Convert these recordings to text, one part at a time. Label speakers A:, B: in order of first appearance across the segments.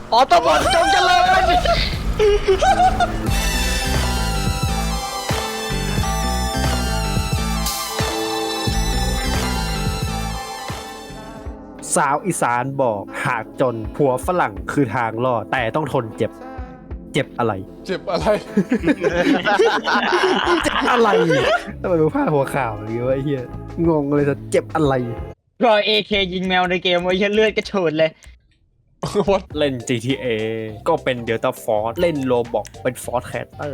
A: ออโต้บอทจงเจริญ
B: สาวอีสานบอกหากจนผัวฝรั่งคือทางรอดแต่ต้องทนเจ็บ เจ็บอะไร
C: เจ็บอะไร
B: เจ็บอะไรทำไมมึงพลาดหัวข่าวอย่างงี้วะไอ้เหี้ยงงเลยจะเจ็บอะไร
A: ก็เอเคยิงแมวในเกมไว้เลือดกระโชนเลย
C: What
B: เล่น GTA ก็เป็นเดลต้าฟอร์เล่นโลบอกเป็นฟอร์แคสเตอร์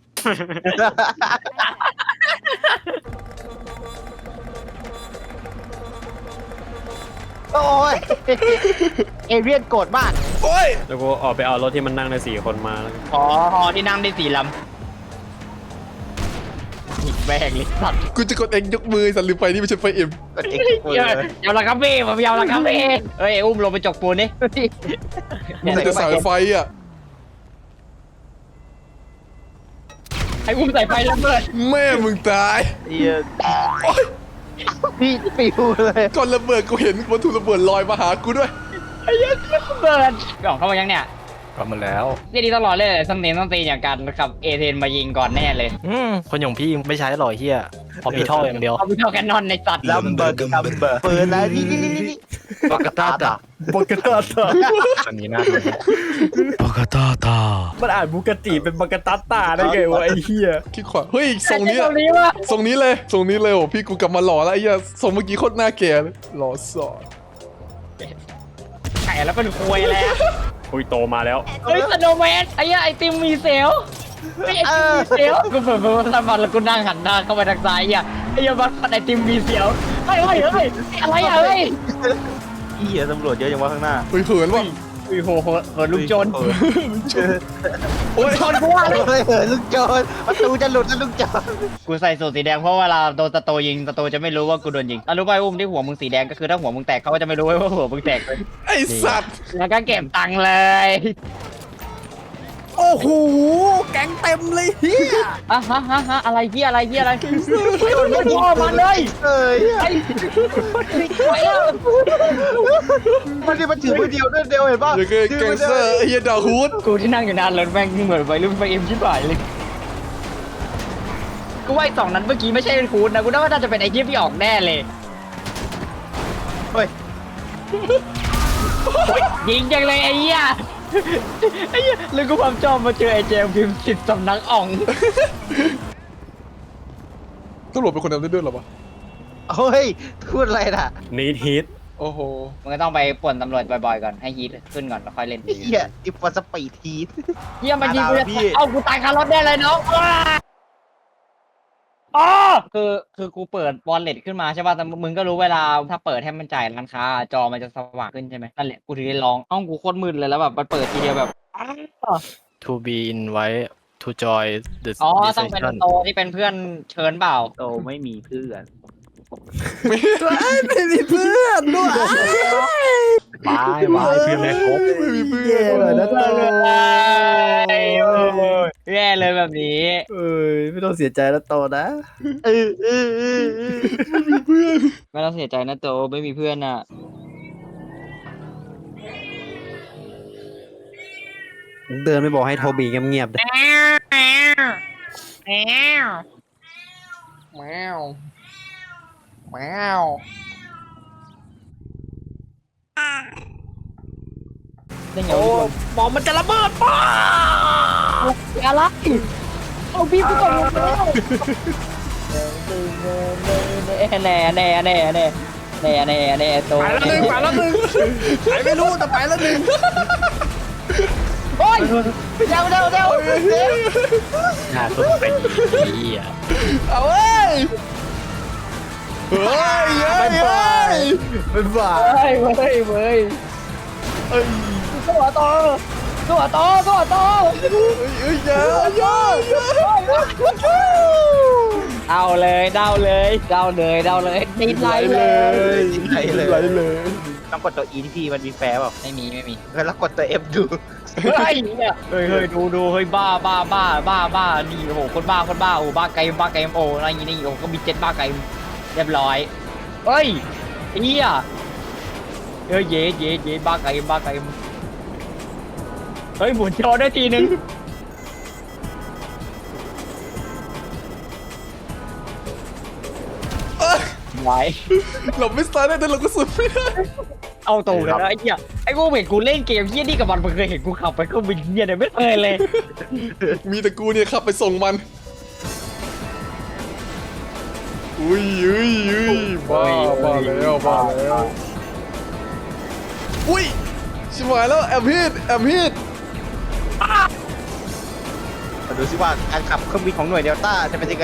D: โอ้ยเอเรียนโกรธมาก
C: โอ้ย
B: แล้วกูออกไปเอารถที่มันนั่งได้4 คนมาแล้วกัน
A: อ๋อที่นั่งได้4 ลำหิบแบกเลยสัตว์
C: กูจะกดเองยกมือสันลืมไปนี่ไม่ใช่ไฟเอ็ม
D: กดเอ็กซ์
A: ยาวละครับพี่ผมยาวละครับพี่เฮ้ยอุ้มลงไปจกปูนดิ
C: มันจะสายไฟอ่ะ
A: ไอ้อุ้มใส่ไฟระเบิด
C: แม่มึงตาย
D: เหี้ยพี่ปิวเลย
C: ก่อนระเบิดกูเห็นวัตถุระเบิดลอยมาหากูด้วย
A: ไอ้ยักษ์ระเบิดกล่องเข้ามายังเนี่ย
E: กลับมาแล้ว
A: นี่ดีตลอดเลยสำเนียงต้องตีอย่างกันขับเอเทนมายิงก่อนแน่เลย
E: คนอย่างพี่ไม่ใช้หรอกเฮียพอมีท่ออย่างเดียว
A: เอาไปเท่าแคนนอนในสัตว์
D: ลัมเบอร์เปิดแล้วนี่
E: ปากกาตาตา
B: บุกตาตา
E: อันนี้น่าดูปากกาตาตา
B: มันอ่านบุกติเป็นบักตาตาได้ไงวะไอ้เหี้ย
C: คิดขวาเฮ้ยทรงนี้
A: ตรงนี้วะ
C: ทรงนี้เลยทรงนี้เลยโอ้พี่กูกลับมาหล่อแล้วไอ้เหี้ยทรงเมื่อกี้โคตรหน้าแก่เลยหล่อสอด
A: ไข่แล้วเป็นควยแล้ว
B: อุ้ยโตมาแล้ว
A: เฮ้ยสโนว์แมนไอ้ยักษ์ไอติมมีเซลล์ไอ้ไอติมมีเซลล์กูเปิดสมัครแล้วกูนั่งหันหน้าเข้าไปทางซ้ายอ่ะไอ้ยักษ์บัตรไอติมมีเซลล์เฮ้ยอะไรอ่ะเฮ้ย
D: เหี้ยตำรวจเยอะจังวะข้างหน้า
C: เฮ้ยเขินว่ะ
A: อุ้ยโหลูกโจร
C: โอ้ย
A: ชนกูว่า
D: เฮ้ยลูกโจรประตูจะหลุดแล้วลูกโจร
A: กูใส่สูทสีแดงเพราะเวลาโดนตะโตยิงตะโตจะไม่รู้ว่ากูโดนยิงรู้ป่ะอุ้มที่หัวมึงสีแดงก็คือถ้าหัวมึงแตกเขาก็จะไม่รู้ว่าหัวมึงแตกเลย
C: ไอสัตว์
A: แล้วก็เก็บตังค์เลย
B: โอ้โหแก๊งเต็มเลยเฮีย
A: ฮะอะไรพี่อะไรไม่พ่อมาเลย
D: เอ้ย
A: ไอ้ไอ้อะ
D: มันนี่มันถือมือเดียวด้วยเดียวเห็นป่ะ
C: เดี๋ยวก็แกงเซอร์ไอ้เหี้ยดาฮูด
A: กูที่นั่งอยู่นานรถแม่งเหมือนไปรุ่นไปเอ็มชิบหายเลยกูว่าไอ้สองนั้นเมื่อกี้ไม่ใช่เป็นคูดนะกูว่าน่าจะเป็นไอ้เจี๊ยบที่ออกแน่เลย
D: เฮ้ย
A: ยิงจังเลยไอ้เหี้ยไอ้เหี้ยแล้วกูความชอบมาเจอไอ้เจมส์พิมพ์สิทธิ์สำนักอ่อง
C: ตำรวจเป็นคนทำได้ด้วยเหรอวะ
D: เฮ้ยพูดอะไรน่ะ
B: นีดฮิต
C: โอ้โห
A: มันก็ต้องไปป่วนตำรวจบ่อยๆก่อนให้ฮีทขึ้นก่อนแล้วค่อยเล่น
D: เหี้ยอิฟวอสปีดทีส
A: เหี้ยมันยิงกูจะ
D: พี่
A: เอากูตายคารถได้เลยน้องอ๋อคือกูเปิดวอลเล็ตขึ้นมาใช่ป่ะแต่มึงก็รู้เวลาถ้าเปิดให้มันจ่ายร้านค้าจอมันจะสว่างขึ้นใช่ไหมนั่นแหละกูถึงได้ลองห้องกูโคตรมืดเลยแล้วแบบมันเปิดทีเดียวแบบอ้าว
E: to be invite to join the
A: อ๋อต้องเป็น
E: session
A: โตที่เป็นเพื่อนเชิญเปล่า
D: โตไม่มีเพื่อน
B: ไม่มีเพื่อนด้วย
E: บายบายเพื่อนแม่ครบ
C: ไม่มีเพื่อน
B: แย่เลยนะเต้ย
A: แย่เลยแบบนี้
B: เอ้ยไม่ต้องเสียใจแล้วโตนะ
D: เออ
A: ไม่ต้องเสียใจนะโตไม่มีเพื่อนอ่ะ
B: เดินไปบอกให้โทบีเงียบๆ
A: แมวแมวแมวได้ไง
B: โอ้
A: วะ
B: บอมมันจะระเบิดป้า
A: อะไรเอาพี่กูก่อนแน่โต
B: ไปแล้วหนึ่งไปไม่รู้แต่ไปแล้วหนึ่ง
A: โอ้ยเร็ว
E: น่าสนใจเฮีย
C: เอาเว้ยเฮ้ยเฮ้ยเฮ้ย
B: เป็นบ้า
A: เฮ้ย
C: เอ้ย
A: ตัวโต
C: เอ้ยเยอะเยอะเยอะ
A: เอาเลยเดาเลยติดไหลเลย
D: ไหลเลย
C: ไหลเลย
D: ต้องกดตัว E ที่พี่มันมีแฟร์เปล่า
A: ไม่มี
D: แล้วกดตัว F ดู
A: เฮ้ยดูเฮ้ยบ้านี่โอ้โหคนบ้าโอ้บ้าไกมโอ้อะไรอย่างงี้โอ้ก็มี7บ้าไกมเรียบร้อยเฮ้ยเฮียเย้บ้าไกมเฮ้ยหมุนจอได้ทีนึงไหว
C: เราไม่สตาร์ทได้แต่เราก็สุดไม่ได้
A: เอาตรงเลยนะไอ้เหี้ยไอ้กูเห็นกูเล่นเกมเหี้ยนี่กับมันเคยเห็นกูขับไปเครื่องบินเหี้ยเนี่ยไม่เคยเลย
C: มีแต่กูเนี่ยขับไปส่งมัน อุ้ยบ้าแล้วอุ้ยชิบหายแล้วแอมฮิต
D: มาดูสิว่าการขับเครื่องบินของหน่วยเดลต้าจะเป็นยังไง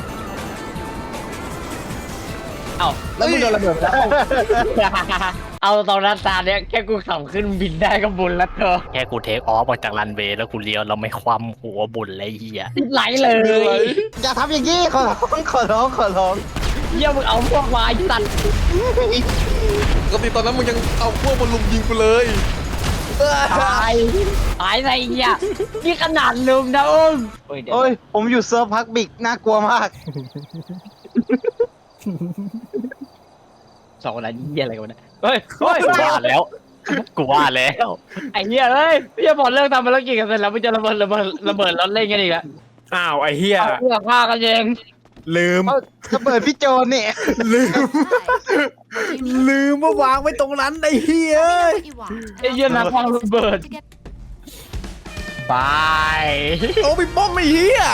A: เอ้าแล้วมึงโดนระเบิดแล้วเอาตอนนั้นตาเนี้ยแค่กูขับขึ้นบินได้ก็บุญแล้วเธอ
E: แค่กูเทคออฟออกจากรันเวย์แล้วกูเลี้ยวเราไม่คว่ำหัวบุญเลยไอ้เฮีย
A: ติดไหลเล
C: มีอะไร
A: ย
D: อย่าทำอย่างนี้ขอร้อง
A: เหี้ยมึงเอาพวกวายสัตว์
C: ปกติตอนนั้นมึงยังเอาพวกมาลุมยิงกูเลย
A: ตายอะไรเหี้ยนี่ขนาดลืมนะอุ้มเดี๋ยว
D: โอ้ยผมอยู่เซิร์ฟพักบิกน่ากลัวมาก
A: สองคนนั้นเหี้ยอะไรกันวะเนี่ยเฮ้ย
E: กูว่าแล้ว
A: ไอ้เหี้ยเฮ้ยพี่จะบอกเลิกทำภารกิจกันเสร็จแล้วมึงจะระเบิดแล้วเล่นกันอีกอะ
B: อ้าวไอ้เหี้ย
A: เพื่อฆ่ากันเอง
B: ลืม
D: เอาระเบิดพี่โจนเนี่ย
B: ลืมว่าวางไว้ตรงนั้นไอ้เหี้ย
A: ไอ้เหี้ยนักวางระเบิดบาย
C: เอาไปป้อมไอ้เหี้ย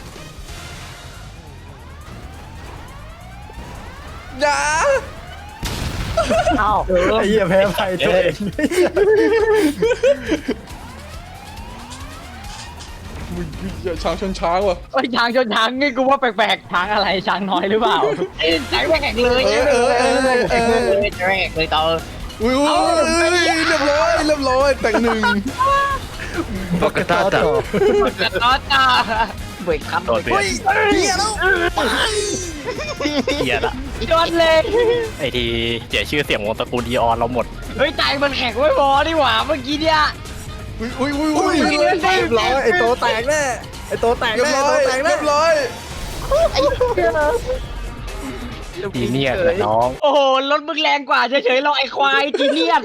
C: อย่า
A: เอ้า
B: ไอ้เหี้ยแพ้ไฟตัวเอง
C: มึงอย่าช้างชนช้างว่ะ
A: ไอ้ยช้างชนช้างนี่กูว่าแปลกๆช้างอะไรช้างน้อยหรือเปล่าไอ้ช้างแปลกเลยช้างแปลกเลยต่อ
C: อุ้ยเรียบร้อยแต่งหนึ่ง
E: ปกติต่อ
A: ต่อจ้าเบรกครับ
E: โดนเปลี่ยน
C: เหี้ยแล้ว
E: เฮียละ
A: จนเลย
E: ไอทีเสียชื่อเสียงวงตระกูลดีออนเราหมด
A: เฮ้ยใจมันแข็งไม่พอนี่หว่าเมื่อกี้เนี่ย
C: อุ้ย
B: เรียบร้อยไอ้โตแตกแน่ไอ้โตแตก
C: เรียบ
B: แน่
C: ร้อย
B: โตแตกแน่
C: เรียบร้อย
E: จีเนียสเลยน้อง
A: โอ้โหรถมึงแรงกว่าเฉยๆเราไอ้ควายจีเนียส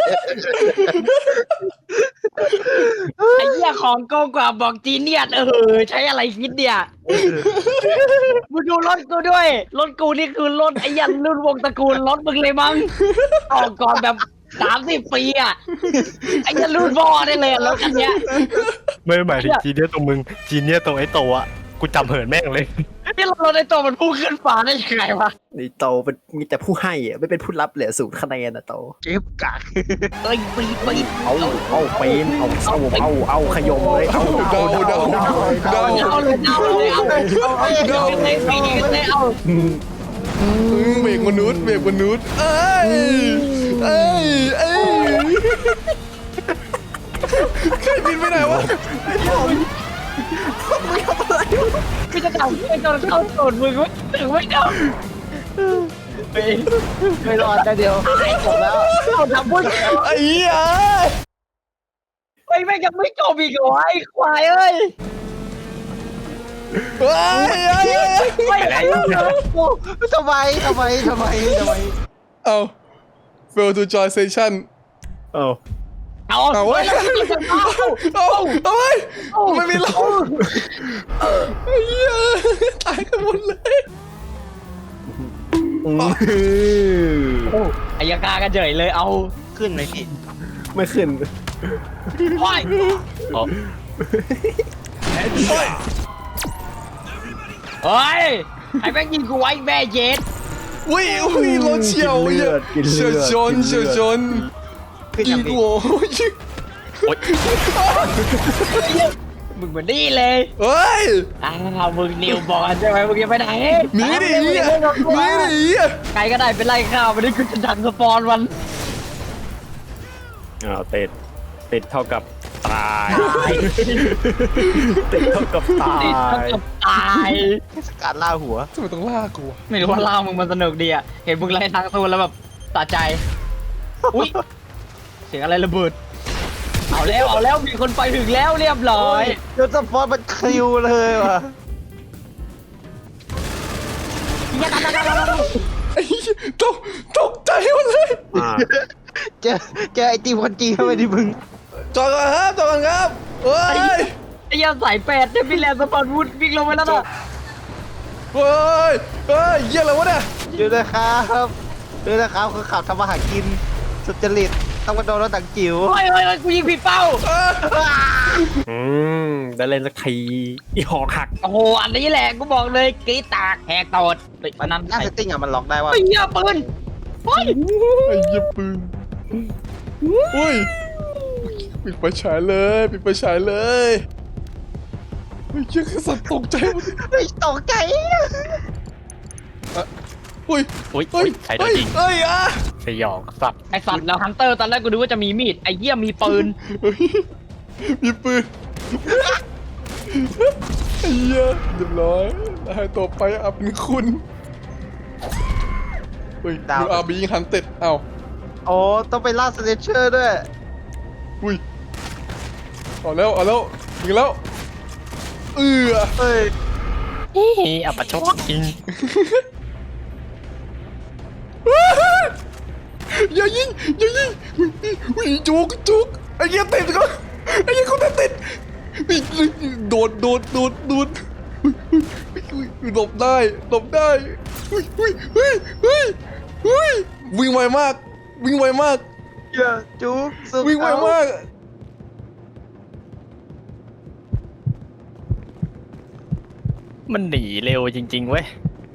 A: ไอ้เหี้ยของโกงกว่าบอกจีเนียสใช้อะไรคิดเนี่ยมึงดูรถกูด้วยรถกูนี่คือรถไอ้ยันรุ่นวงตระกูลรถมึงเลยมั้งออกก่อนแบบ30 ปีอ่ะไอ้ยันรุ่นพ่อได้เลยรถคันเนี้ย
E: ไม่หมายถึงจีเนียสตรงมึงจีเนียสตรงไอ้โตอะกูจำเหินแม่งเลย
A: นี่รถไอ้ตัวมันพุ่งขึ้นฟ้าได้ยังไงวะ
B: ไอ้โตเป็นมีแต่ผู้ให้อะไม่เป็นผู้รับเหลือ0 คะแนนอะโต
D: เก็บกัก
A: เอ้ยปี
B: เอาเป็นเอาขยมเลยเอา
C: เดา
A: เอาเลยปีเลยเอา
C: เบรกมนุษย์เอ้ยใครบินไปไหนวะ
A: พี่จะทำไอ้ตัวเข้าสูตรมึงไม่ถึงไม่จบ
D: ไม่รอดแต่เดียวจบแล้ว
A: เอาทำพุ่ง
C: ไอ้เหี้ย
A: ไอ้แม่งยังไม่จบอีกเหรอไอ้ควายเอ้ย
C: เฮ้ย
D: ทำไม
C: เอา fail to join session
B: เอา
A: เอาไว้แล้วพี่จะเอา
C: ไว้ไม่มีเราไอ้เหี้ยตายกันหมดเลย
A: อายการกันเฉยเลยเอา
D: ขึ้นไหมพี่
B: ไม่ขึ้น
A: ควาย
E: อ๋อ
A: เฮ้ยไอ้แม่งยิงกูไว้แม่เย็ด
C: อุ้ยรถเฉียวเฉียวชน
D: ขึ้น
C: อี
D: ยัง
C: ก
D: พี่
C: โว้ย
A: มึงเหมือนนี่เลย
C: เฮ้ย
A: มึงนิวบอลใช่ไหมมึงจะไปไหน
C: มีดิ
A: ใครก็ได้เป็นไล่ข้าววันนี้กูจะดันสปอนมัน
B: อ้าวติดเท่ากับตายติดเท่ากับตา
A: ติดเท่าย กับตาย
D: สกัดล่าหัว
C: ทำไมต้องล่ากู
A: ไม่รู้ว่าเล่ามึงมันสนุกดีอ่ะเห็นมึงไล่ทางสู้แล้วแบบสะใจอุ้ยเสียงอะไรระเบิดเอาแล้วมีคนไปถึงแล้วเรียบร้อย
D: เดี๋ยวสปอร์ตมันคิวเลยว่ะ
C: ไอ้ตกใจหมดเลย
B: อ่า
D: เจอไอตีมคนจีนเข้าไปดิมึง
C: จจอดก่อนครับจอดก่อนครับเฮ้ย
A: ไอ้เหี้ยสายแปดเนี่ยพี่แลนด์สปอนวูดวิ่งลงไปแล้วน่ะ
C: เฮ้ยเฮ้ยเยี่ยอะไรวะเนี่ย
D: ดูนะครับดูนะครับคือขับทำมาหากินสุจริตต้องมาโดนรถถังจิ๋ว
A: เฮ้ยกูยิงผิดเป้า
B: ได้เล่นสักทีอีหอกหัก
A: โอ้โหอันนี้แหละกูบอกเลยกรีดตากแหกตดอันนั้น
D: หน้าเซตติ้งอะมันล็อกได้ว่า
A: ไอ้เหี้ยปืนเฮ้ย
C: ไอ้เยี่ยปืนอุ้ยปิดไฟฉายเลยปิดไฟฉายเลยเฮ้ยเยี่ยสัตว์ตกใจหมด
D: ไม่ตกใจ
C: อุ้ย
E: อุ้ย
C: เฮ้ย
E: ใครโดนยิง
C: เฮ้ยอ่ะ
E: สยองสัตว์
A: ไอสัตว์แล้วฮันเตอร์ตอนแรกกูดูว่าจะมีมีดไอ้เหี้ยมีปืน
C: เฮ้ยมีปืนไอ้เหี้ยเรียบร้อยแล้วให้ต่อไปอับเป็นคุณเฮ้ยดูอาบียิงฮันเต็ดเอ้า
D: โอ้ต้องไปล่าสเตเชอร์ด้วย
C: อุ้ยเอาแล้วยิงแล้วเอื้อ
D: เฮ้ย
E: อับปะชดจริง
C: อย่ายิงอุ้ยจุกไอ้เหี้ยติดก็ไอ้เหี้ยเขาติดโดดอุ้ยหลบได้อุ้ยวิ่งไวมาก
D: อย่าจุ๊บสุด
C: วิ่งไวมาก
E: มันหนีเร็วจริงๆเว้ย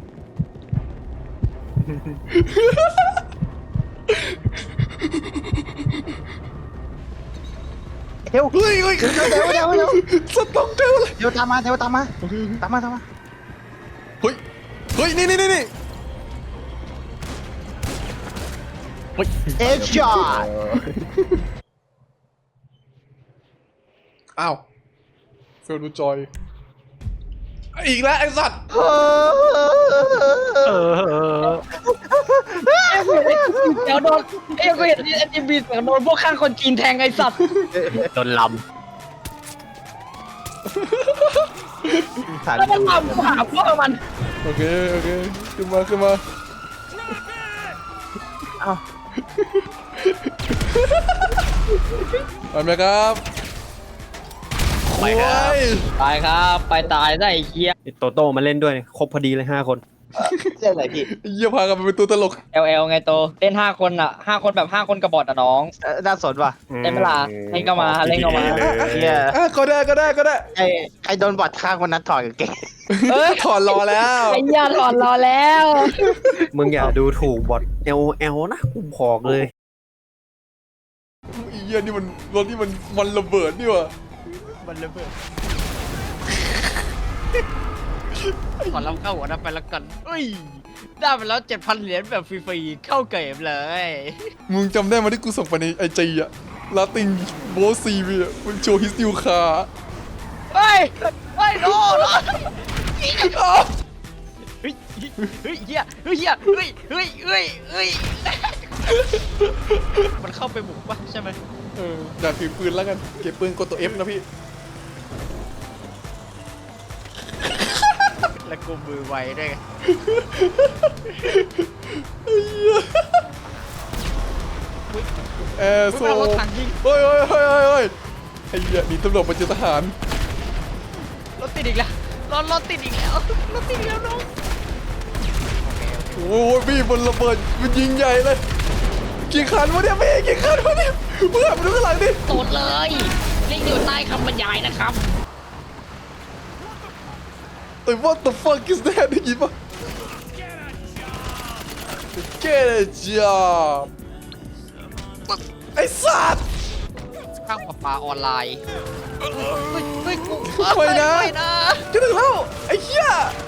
D: เดี๋ยว
C: เฮ้ย
D: เดี๋ยว
C: สต๊อกเจอเลย
D: เดี๋ยวตามมาตามมา
C: เฮ้ยนี่
D: เอ็กซ์ช็อต
C: อ้าวเฟลดูจอยอีกแล้วไอ้สัตว์
A: เดี๋ยวโดนไอ้กูเห็นไอ้จิมบีเสียงโดนพวกข้างคนจีนแทงไอ้สัตว์
E: โดนล
A: แล้วมันลำหาพวกมัน
C: โอเคขึ้นมา
D: เอ้า
C: ไปไหมครับ
E: ำไปครับ
C: โอ้ย
A: ตายครับไปตายได้ไอ้เหี้ย
B: ไอ้โตโต้มาเล่นด้วยครบพอดีเลย5 คน
D: เรื่องอะไรพี่
C: เยี่ยพากันไปเป็นตัวตลก
A: LL ไงโตเล่น5 คนอ่ะ5 คนแบบ5 คนกระบอกอ่ะน้อง
D: น่าสนว่ะ
A: เล่นเวลาเล่นก็มาเล่นก็มา
D: เนี่ย
C: ก็ได้
D: ไอ้โดนบอดข้างวันนั้นถอดกางเกง
A: เอ้ย
C: ถอนรอแล้ว
A: ไอ้เหี้ยหลอนรอแล้ว
B: มึงอย่าดูถูกบอท LOL นะกูบอกเลย
C: ไอ้เยี่ยนี่มันรถที่มันระเบิดนี่วะ
E: มันระเบิด
A: ขอรับเข้าหัวนั้นไปแล้วกันเอ้ยได้ไปแล้ว 7,000 เหรียญแบบฟรีๆเข้าเกมเลย
C: มึงจำได้ไหมที่กูส่งไปในไอจีอะลาติงโบซีวีอะมันโชว์ฮิสติวคา
A: เฮ้ยโน่เฮ้ยเฮียมันเข้าไปบุกปะใช่ไหม
C: อยากถือปืนแล้วกันเก็บปืนกดตัว F นะพี่
A: แล้วกูมือไวด้วยไง
C: แอร์โซ
A: รถถังยิง
C: เฮ้ยไอ้เหี้ยหนีตำรวจมาเจอทหาร
A: รถติดอีกแล้วรถติดอีกแล้วน้อง
C: โอ้ยพี่บนระเบิดมันยิงใหญ่เลยกี่คันวะเนี่ยพี่กี่คันวะเนี่ยมึงหันมาดูข้างหลังดิ
A: โตดเลยลิงก์อยู่ใต้คำบรรยายนะครับ
C: เอ้ย what the fuck is that ได้ยินปะ Get a job ไอ้สัตว์
A: ข้างปลาออนไลน์เฮ้ยกู
C: ไม่นะจะถึงแล้วไอ้เหี้ย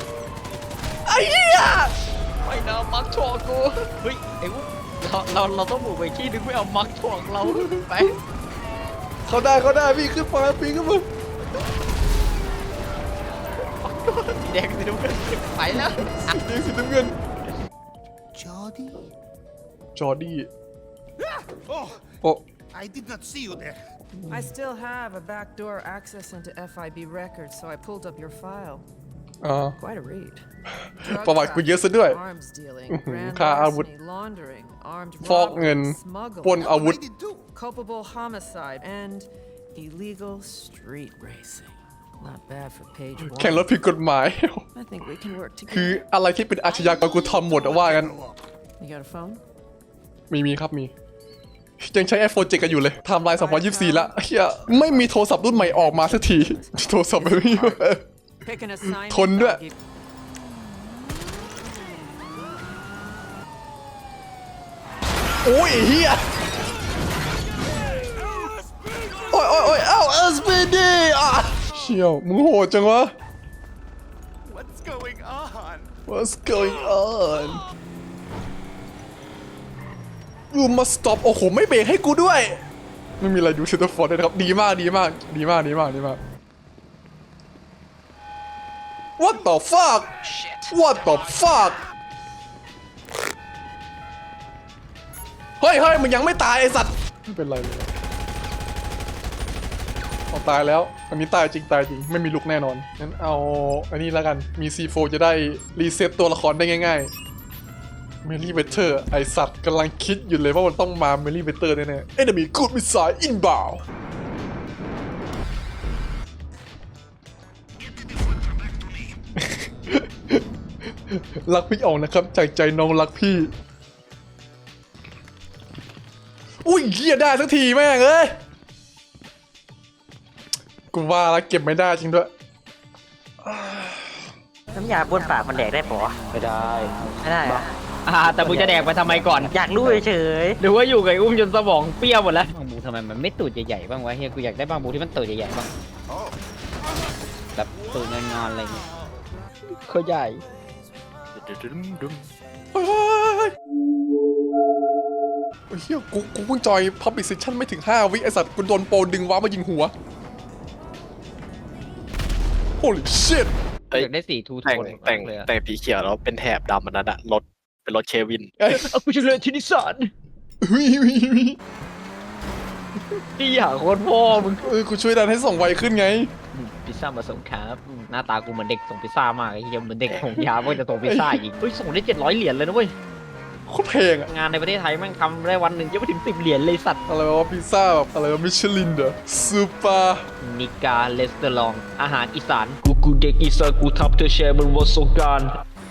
A: ไม่นะมักถ่วงกูเฮ้ยไอ้วุ้เราต้องบุกไปที่นึงไม่เอามักถ่วงเราไป
C: เขาได้พี่ขึ้นมาปีนขึ้นมา
A: สีแดงสีน้ำเงินไปแล้ว
C: เรียกสีน้ำเงิน จอร์ดี้
F: Oh,
C: โอ้
F: I did not see you there.
G: I still have a backdoor access into FIB records, so I pulled up your file.
C: อ๋อ
G: Quite a read.
C: ประวัติกูเยอะซะด้วย
G: Arms dealing,
C: ค่าอาวุธ
G: larceny, laundering, armed
C: ฟอกเงิน
G: smuggling,
C: ปล้นอาวุธ
G: culpable homicide, and illegal street racing. Not bad for page
C: แข่งรถ
G: one.
C: ผิดกฎหมาย
G: I think we can work
C: คือ
G: together.
C: อะไรที่เป็นอาชญากรกูทำหมดอะว่ากัน
G: You got a phone?
C: มีครับมี ยังใช้ iPhone 7 กันอยู่เลยไทม์ไลน์2024ละเฮียไม่มีโทรศัพท์รุ่นใหม่ออกมาสักที โทรศัพท์ไม่มี
G: Pick an assignment.
C: ทนด้วย
G: I'll give-
C: โอ้ยไอ้เฮียโอ้ยโอ้ยโอ้ยเอ้า SPD อ่ะเชี่ยวมึงโหดจังวะ
F: What's going on?
C: What's going on You must stop โอ้โหไม่เบรกให้กูด้วย ไม่มีอะไรดูเชตเตอร์ฟอร์ดเลยนะครับ ดีมากดีมากดีมากดีมากดีมาก What the fuck What the fuck เฮ้ยเฮ้ยมึงยังไม่ตายไอสัตว์ไม่เป็นไรเลยเอาตายแล้วอันนี้ตายจริงตายจริงไม่มีลุกแน่นอนงั้นเอาอันนี้แล้วกันมี C4 จะได้รีเซ็ตตัวละครได้ง่ายๆเมลี่เวเตอร์ไอสัตว์กำลังคิดอยู่เลยว่ามันต้องมาเมลี่เวเตอร์แน่ๆ Enemy Good Missile Inbound รักพี่อ๋องนะครับจากใจน้องรักพี่อุ้ยเหี้ยได้สักทีแม่งเอ้ยกูว่าแล้วเก็บไม่ได้จริงด้วย
A: น้ำยาบ้วนปากมันแดกได้ปะ
B: ไม่ได้
A: ไม่ได้อะแต่มึงจะแดกไปทำไมก่อน อยากรู้เฉยหรือว่าอยู่กับไอ้อุ้มจนสมองเปรี้ยวหมดแล้วบางบูทำไมมันไม่ตูดใหญ่ๆบ้างวะเฮียกูอยากได้บางบูที่มันตูดใหญ่ๆบ้างแบบตูดงอนๆอะไรเงี้ยเขาใหญ่
C: เฮ้ยโอ้ยเฮียกูเพิ่งจอย Public Session ไม่ถึง 5 วิไอสัตว์กูโดนโปรดึงว้ามายิงหัว Holy shit
A: อยากได้สีทูโท
E: แต่ง
A: น
E: แต่ง
A: เลยอะ
E: แต่งสีเขียวแล้วเป็นแถบดำอันนั้นอะรถเป็นรถเควิน
C: เอ้ย
A: เอากูจะเลยที่นิสสัน
C: วิวิวิ
A: พี่อยากโคตรพ่อมึง
C: กูช่วยดันให้ส่งไวขึ้นไง
A: พิซซ่ามาส่งครับหน้าตากูเหมือนเด็กส่งพิซซ่ามากไอ้เหี้ยเหมือนเด็กส่งยาว่าจะส่งพิซซ่าอีกเฮ้ยส่งได้700 เหรียญเลยนะเว้ย
C: โคตรแพงอะ
A: งานในประเทศไทยแม่งทำได้วันหนึ่งจะไปถึง10 เหรียญเลยสัตว์
C: อะไรวะพิซซ่าแบบอะไรวะมิชลินเดอร์ซูเปอร์
A: นิกาเลสเตอรองอาหารอีสานกูเด็กอีสานกูทับเธอแชร์บนวันสงกรานต์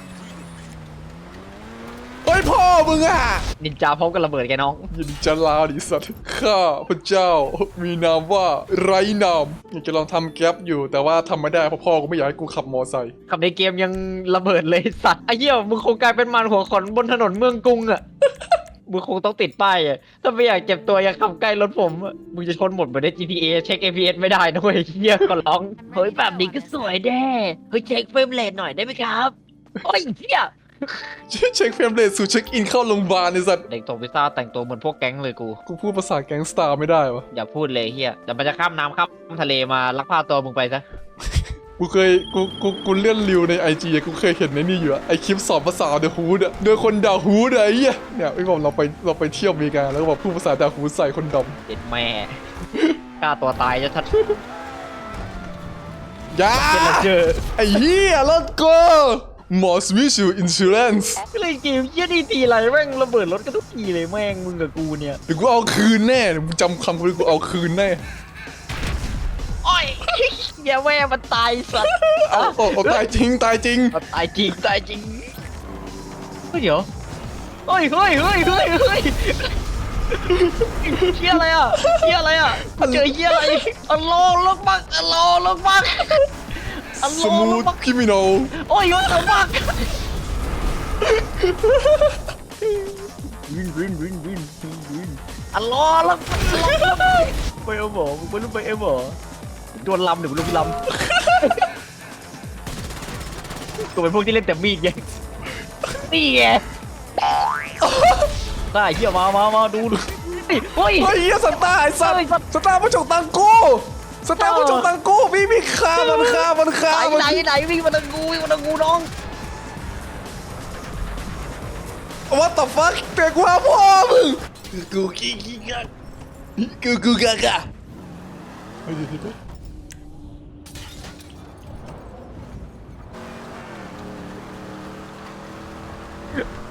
C: เฮ้ยพ่อมึงอะ
A: นินจาพร้อมกับระเบิดแกน้อง
C: ยินดีจะลาดิสัตว์ข้าพระเจ้ามีนามว่าไร้นามอยากจะลองทำแก๊ปอยู่แต่ว่าทำไม่ได้เพราะพ่อกูไม่อยากให้กูขับมอไซค์
A: ขับในเกมยังระเบิดเลยสัตว์ไอ้เหี้ยมึงคงกลายเป็นมันหัวขอนบนถนนเมืองกรุงอะ มึงคงต้องติดป้ายอะถ้าไม่อยากเจ็บตัวอย่าขับใกล้รถผมอะมึงจะชนหมดเหมือนใน GTA เช็ค APS ไม่ได้ด้วยเหี้ยก็ร้องเฮ้ยแบบนี้ก็สวยแน่เฮ้ยเช็คเฟรมเรทหน่อยได้ไหมครับโอ้ยเหี้ย
C: เช็คเฟรมเรทสู่เช็คอินเข้าโรงพยาบาลไอ้สัตว์
A: เด็กส่งพิซซ่าแต่งตัวเหมือนพวกแก๊งเลยกู
C: กูพูดภาษาแก๊งสตาร์ไม่ได้วะ
A: อย่าพูดเลยเฮียแต่มันจะข้ามน้ำข้ามทะเลมาลักพาตัวมึงไปซะ
C: กูเลื่อนริวในไอจีกูเคยเห็นในนี่อยู่อะไอคลิปสอนภาษาเดอะฮูดอะโดยคนด่าฮูดอะไอ้เหี้ยเนี่ยไอ้บอกเราไปเที่ยวอเมริกาแล้วก็บอกพูดภาษาด่าฮูดใส่คนด
A: เด็ดแม่ ฆ่าตัวตายจะทัด
C: ำยา
A: เจอ
C: ไอ้เหี้ยแล้วก็ Moss Visual Insurance
A: ก็เลยเกมเฮียดีทีไรแม่งระเบิดรถกันทุกทีเลยแม่งมึงกับกูเนี่ย
C: เดี๋ยวกูเอาคืนแน่เดี๋ยวมึงจำคำกูเลยกูเอาคืนแน่
A: โอ้ยอย่าแม่มันตายสัตว์
C: เอาตายจริงตายจริง
A: มันตายจริงตายจริงเฮ้ยเดี๋ยวเฮ้ยเฮียอะไรอ่ะเฮียอะไรอ่ะเจอเฮียอะไรอัลโลลกบักอัลโลลกบักอัลโล
C: สมู
A: ล
C: ท
A: กบัก
C: คริมินอล
A: โอ้ยยศลกบักวินอัลโลลกบักไปเอาหมอมึงไปรู้ไปเอาหมอโดนลำเดี๋ยวมึงลงลำกูเป็นพวกที่เล่นแต่มีดไงนี่ไงได้เหี้ยมาดูนี่เฮ้ย
C: เฮ้ยเหี้ยสตาร์ไอ้สัตว์สตาร์มาฉกตังกูสตาร์มาฉกตังกูพี่ฆ่ามัน
A: ไหนวิ่งมาทางกูน้อง
C: What the fuck เตะกูหาพ่อมึงกูกะ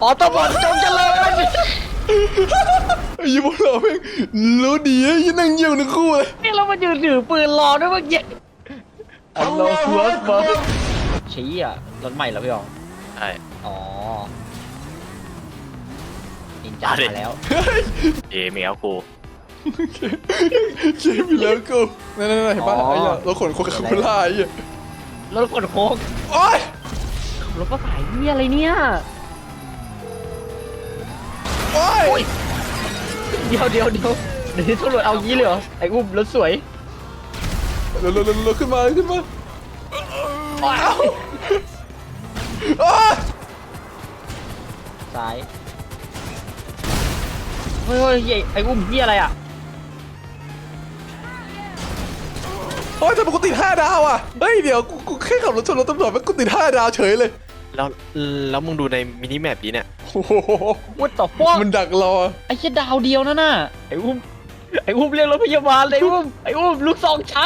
A: ออโต้บอทจงเจริญ
C: ไอ้ยี่พวกเราแม่งรู้ดีไอ้ยี่นั่งเยี่ยวทั้งคู่เลย
A: นี่เรามายืนถือปืนรอด้วยเมื่อกี้อัลโลฮัวบอลชี้อ่ะรถใหม่เหรอพี่อ๋อง
E: ใช่
A: อ๋อนินจามาแล้ว
E: เอเมียกู
C: เกมอีกแล้วกูนั่นๆๆเห็นปะ
A: อ๋อ
C: ไอ้เหี้ยเราขนโคคาโคล่าไอ้เหี้ย
A: รถกดโค้ง
C: โอ๊ย
A: รถก็สายนี่อะไรเนี่ย
C: โอ๊ย
A: เดี๋ยวเดี๋ยวที่ตำรวจเอางี้เลยเหรอไอ้อุ้มรถสวย
C: เร็วขึ้นมาขึ้นมา
A: ว้าว
C: โอ๊ย
A: ซ้ายเฮ้ยไอ้อุ้มนี่อะไรอ่ะ
C: โอ๊ยทำไมกูติด5 ดาวอ่ะเฮ้ยเดี๋ยวกูแค่ขับรถชนรถตำรวจแล้วกูติด5 ดาวเฉยเลย
E: แล้วมึงดูในมินิแมปนี้เนี่ย
C: โอ้โห
A: วุ้ต่อฟ้อง
C: มันดักรอ
A: ไอ้แค่ดาวเดียวนั่นน่ะไอ้อุ้มเรียกรถพยาบาลเลยไอ้อุ้มลูกซองชัก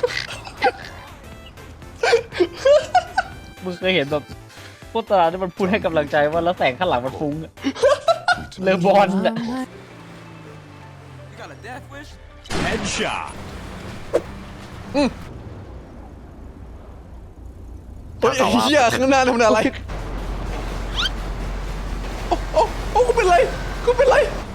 A: มึงเคยเห็นแบบโฆษณาที่มันพูดให้กำลังใจว่าแล้วแสงข้างหลังมันฟุ้งอะเลอบอลอะ
F: You got a death wish? Headshot.
C: เฮ้ยไอ้เหี้ยข้างหน้าทำอะไรโอ้กูเป็นไรกูเป็นไร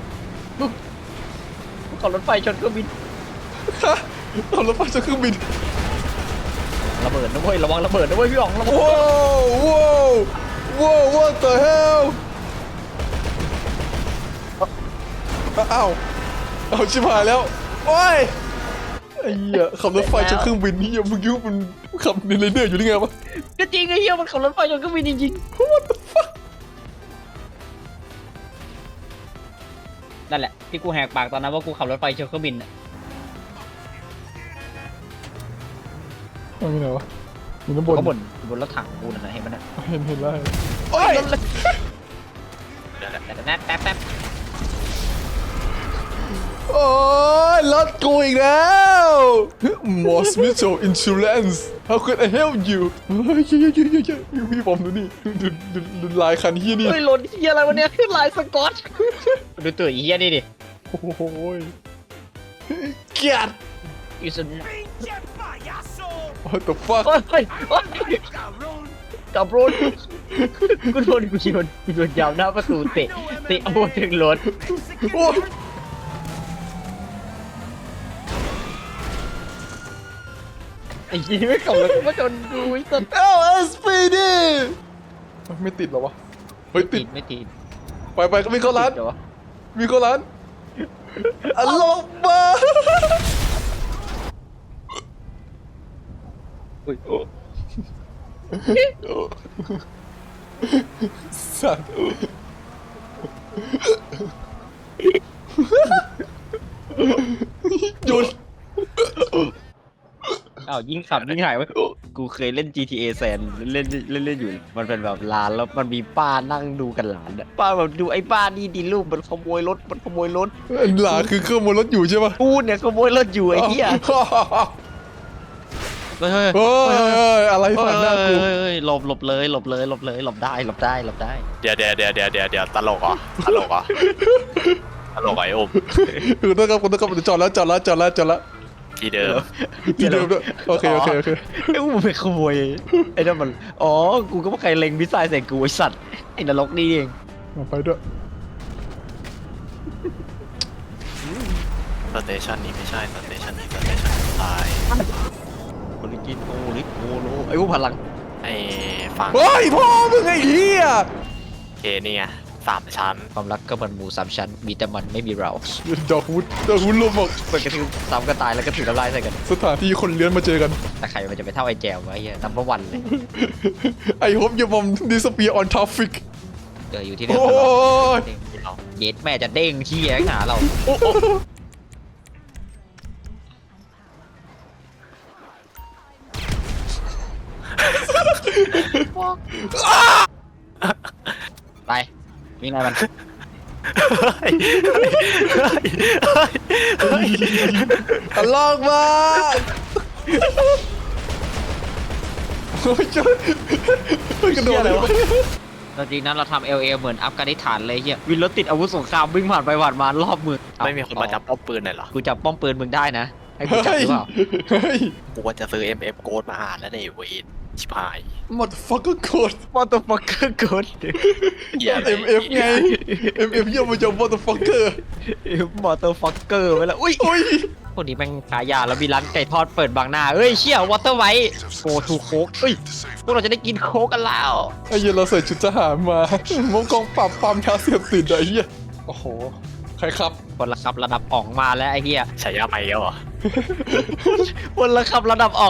A: ขับรถไฟชนเครื่องบิน
C: ฮะเอารถไฟจากเครื่องบิน
A: ระเบิดนะเว้ยระวังระเบิดนะเว้ยพี่อ๋องระวัง
C: ว้าวwhat the hell อ้าวชิบหายแล้วโอ้ยไอ้เหี้ยขับรถไฟจากเครื่องบินนี่มึงคิดว่ามันขับในเรเดอร์อยู่ได้ไงวะ
A: ก็จริงไอ้เหี้ยมันขับรถไฟชนเครื่องบินจริงๆนั่นแหละที่กูแหกปากตอนนั้นว่ากูขับรถไฟชนเครื่องบินอะ
C: ไม่มีไหนวะมีน้ำบน
A: ก็บนรถถังกูนั่นนะเห็นมันนะ
C: เห็นแล้วโอ้ย
A: แป๊บ
C: โอ้ยรถกูอีกแล้ว Moss Mitchell Insurance How could I help you เฮ้ยพี่ผมดูนี่ดูลายคันเฮียนี่
A: เฮ้ยรถเหี้ยอะไรวะเนี่ยขึ้นลายสก๊อตดูตัวไอ้เหี้ยนี่ดิ
C: โอ้โหเกลียด
A: อีสุน
F: Pinche payaso.
C: What the fuck
A: โอ้ย
F: Cabrón.
A: กับรถกูโดนยาวหน้าประตูเตะเอาถึงรถ
C: โอ้ย
A: ไอ้ยี่ไม่ขับรถมาจนดูไอ้สัตว์
C: SPD ไม่ติดเหรอวะเฮ้ยติด
A: ไม่ติด
C: ไปมีเข้าร้าน
A: เดี๋ยววะ
C: มีเข้าร้านอัลโลมา
A: อุ้ย
C: สัตว์หยุด
A: อ้าวยิ่งขับยิ่งหายไว้กูเคยเล่น GTA แซนเล่นอยู่มันเป็นแบบร้านแล้วมันมีป้านั่งดูกันหลานอะป้าแบบดูไอ้ป้านี่ดีลูกมันขโมยรถ
C: หลาคือเครื่องบนรถอยู่ใช่ปะ
A: กูเนี่ยขโมยรถอยู่ไอ้เหี้ยเฮ้ย
C: เฮ้ยอะไรผ่านหน้ากู
A: หลบเลยหลบได้
E: เดี๋ยวตลกเหรอตลกเหรอไอ้อม
C: คือต้องครับจอดแล้ว
E: ที่เดิม
C: ที่เดิมด้วยโอเค
A: ไอ้กูไปขโมยไอ้นั่นมันอ๋อกูก็ไม่เคยเล็งมิสไซล์ใส่กูไอ้สัตว์ไอ้นรกนี่เอง
C: ไปด้วย
E: สเตชันนี้ไม่ใช่สเตชันนี้สเตชันตาย
A: โอลิกินโอลิโอโลไอ้กูพลัง
E: ไอ้ฝั่ง
C: เฮ้ยพ่อมึงไอ้เหี้ย
E: เคนี่ไง3 ชั้น
A: ความรักก็เหมือนหมู3 ชั้นมีแต่มันไม่มีเรา
C: ดอกวุ้นลมบอก
A: เปิดกระทืบซ้ำก็ตายแล้วก็ถือน้ำลายใส่กัน
C: สถานที่คนเลี้ยนมาเจอกัน
A: แต่ใครมันจะไปเท่าไอ้แจววะไอ้เหี้ยนัมเบอร์วันเลย
C: ไอ้ฮบอย่ามอมดิสเปียออนทราฟิก
A: อยู่ที่เดิม
C: โอ้
A: ตลอด
C: ย
A: เย็ดแม่จะเด้งเชี่ยหาเราไปวิ่งไงมัน
C: ตลกมากโอ้ยจ้ากระโดดเลยวะ
A: ตอนจริงนั้นเราทำ LA เหมือนอัฟกานิสถานเลยเฮียวินรถติดอาวุธสงครามวิ่งผ่านไปผ่านมารอบเมือง
E: ไม่มีคนมาจับป้อมปืนเลยเหรอ
A: กูจับป้อมปืนมึงได้นะให้กูจับ
C: เฮ้
A: ห
C: ย
A: รือเปล่า
C: เฮ้ย
E: กูว่าจะซื้อ MF โกดมาอ่านแล้วเนี่ยเวนชิบหาย
C: motherfucker code
A: มอเตอร์ฟักเกอร์กด
E: เหี้ยอะไร
C: MF ไง MF ย่อมาจาก motherfucker
A: มอเตอร์ฟักเกอร์ไปแล้วอุ้ย
C: อุ้ย
A: พวกนี้แม่งขายยาแล้วมีร้านไก่ทอดเปิดบางหน้าเอ้ยเชี่ยวอเตอร์ไวท์โกทูโค้กเอ้ยพวกเราจะได้กินโค้กกันแล้ว
C: ไอ้เหี้ยเราใส่ชุดทหารมามุกกองปราบปรามยาเสพติดไอ้เหี้ยโอ้โหใครครับ
A: คนละครับระดับอ่องมาแล้วไอ้เหี้ย
E: ฉายาใหม่แล้วเหรอ
A: คนละครับระดับอ่อง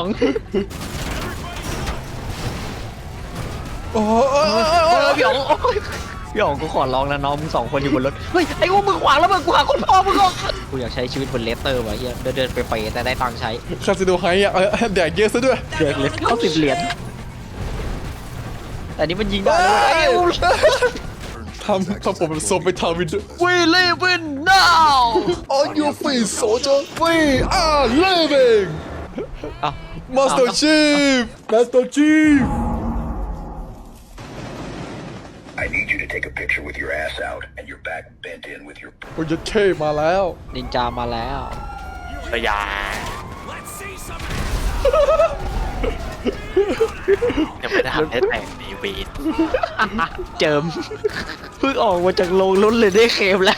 C: โอ้โห
A: พี่อ๋องโอ๊ยพี่อ๋องกูขอร้องแล้วน้องมึงสองคนอยู่บนรถเฮ้ยไอ้กูมึงขวางแล้วมึงกูหาคนพ่อมึงก่อนกูอยากใช้ชีวิตบนเลสเตอร์ว่ะเฮียเดินไปแต่ได้ตังค์ใช้
C: คาสิโนไฮอ่ะแดกเยอะซะด้วย
A: เดือนเลส90 เหรียญแต่นี่มันยิงได้เลยไอ้กู
C: ทำผมเป็นโซไปทาวินด้วย
A: We live in now
C: On your feet soldier we are living
A: อ้าว
C: Master Chief Master Chief
H: I need you to take a picture with your ass out and your back bent in with your
C: โอ้ยเท่มาแล้ว
A: นินจามาแล้ว
E: ระยา
F: Let's see some.
E: ยังไม่ได้ทำได้แต่งในเวน
A: เจิมเพิ่งออกมาจากโรงรถเลยได้เคมแล้ว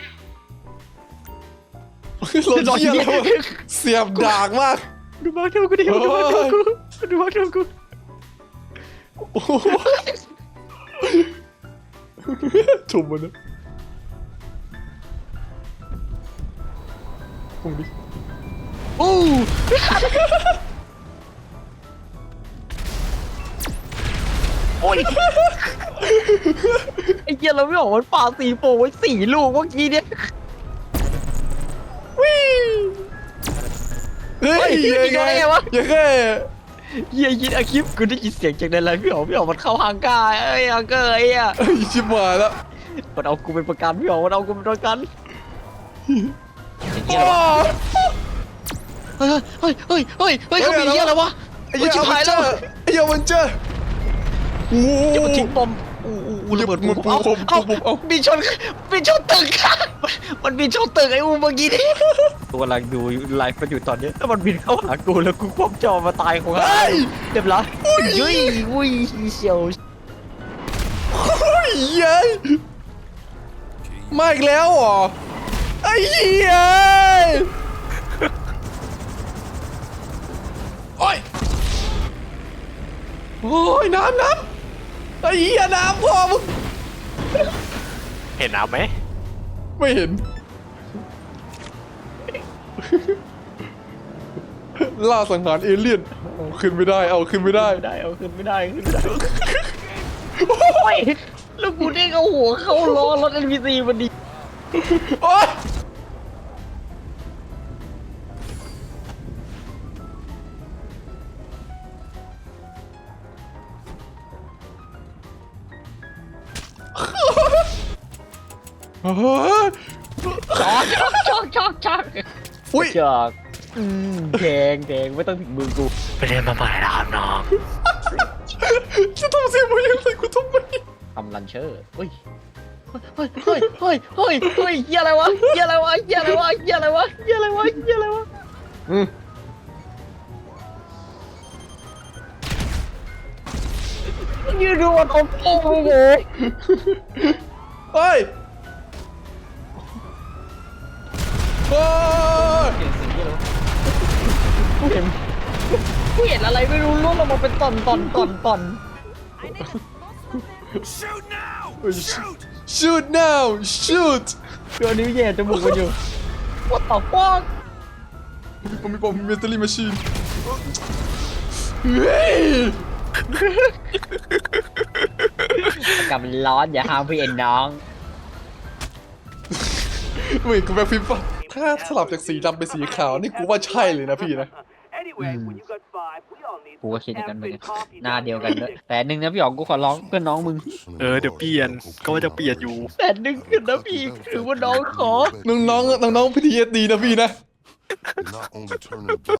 C: รถเยี่ยแล้วเสียบดากมาก
A: ดูมาเท่ากูดิดูมาเท่ากูดูมาเท่ากู
C: โอ้โหถุ่มมันนะถุ่มดิ
A: อู้โอ้ยไอ้เหี้ยเราไม่ออกมันปาสีโฟไว้4 ลูกเมื่อกี้เนี่ย
C: เฮ้ย
A: เฮ้ย
C: ยัง
A: ยิงได้ไงวะ
C: ยังไง
A: เหี้ยยินอาคลิปกูได้ยินเสียงจากในไลน์พี่อ๋องมันเข้าฮังกาเอ้ยฮังเกอร์ไอ้เหี้ย
C: เฮ้ยชิบหายแล้ว
A: มันเอากูเป็นประกันพี่อ๋องมันเอากูเป็นประกันเฮ้ยเขามีเหี้ยอะไรวะ
C: ไอ้เหี้ย
A: ชิบหายแล้ว
C: ไอ้เหี้ยมันเจอโอ้
A: เดี๋ยว
C: โห
A: มันทิ้งบอมระเบิด
C: มันปูพรม
A: เอา
C: ปูพรมเอา
A: บินชนตึกมันบินชนตึกไอ้อูเมื่อกี้นี่กูกำลังดูไลฟ์มันอยู่ตอนนี้ถ้ามันบินเข้าหากูแล้วกูคว่ำจอมาตายของเราเรียบร้อยยุ้ยวุ้ยเชียว
C: เฮ้ยเย้ยมาอีกแล้วเหรอไอ้เหี้ยโอ้ยโอ้ยน้ำไอ้เหี้ยน้ำพ่อมึง
E: เห็นน้ำไหม
C: ไม่เห็น ล่าสังหารเอเลี่ยนเอาขึ้นไม่ได้เอาขึ้นไม่ได้
A: เอาขึ้นไม่ได้โอ้ยแล้วกูเด้งเอาหัวเข้าล้อรถ NPC มันดี
C: โอ๊ยเฮ้ย
A: ช็อก
C: อุ้ย
A: จอกแดงไม่ต้องถึงมือกู
E: ไปเรียนมาใหม่นะครับน้อง
C: จะทำเสียงมาอย่างไรกูทำไม
A: ทำลันเชอร์เฮ้ยเหี้ยอะไรวะยืนดูมันอมโอ้โห
C: เฮ้ยเฮ้ย
A: กูเห็นอะไรไม่รู้ล่วงลงมาเป็นตอน
F: Shoot now! Shoot!
C: shoot now shoot
A: ตัวนิ้วแย่จมูกมันอยู่ What the fuck
C: ผมมีเมทัลลี่แมชชีนเฮ้ย
A: อากาศมันร้อนอย่าห้ามพี่เอ็นน้อง
C: เว้ยกูแบบฟิล์มป่ะถ้าสลับจากสีดำเป็นสีขาวนี่กูว่าใช่เลยนะพี่นะ
A: กูก็คิดอย่างนั้นเหมือนกันหน้าเดียวกันด้วยแต่หนึ่งนะพี่อ๋องกูขอร้องเพื่อนน้องมึง
E: เออเดี๋ยวเปลี่ยนก็ว่าจะเปลี่ยนอยู่
A: แต่หนึ่งคือนะพี่ถือว่าน้องขอ
C: น้องๆ PTSD นะพี่นะ
H: You're not only turning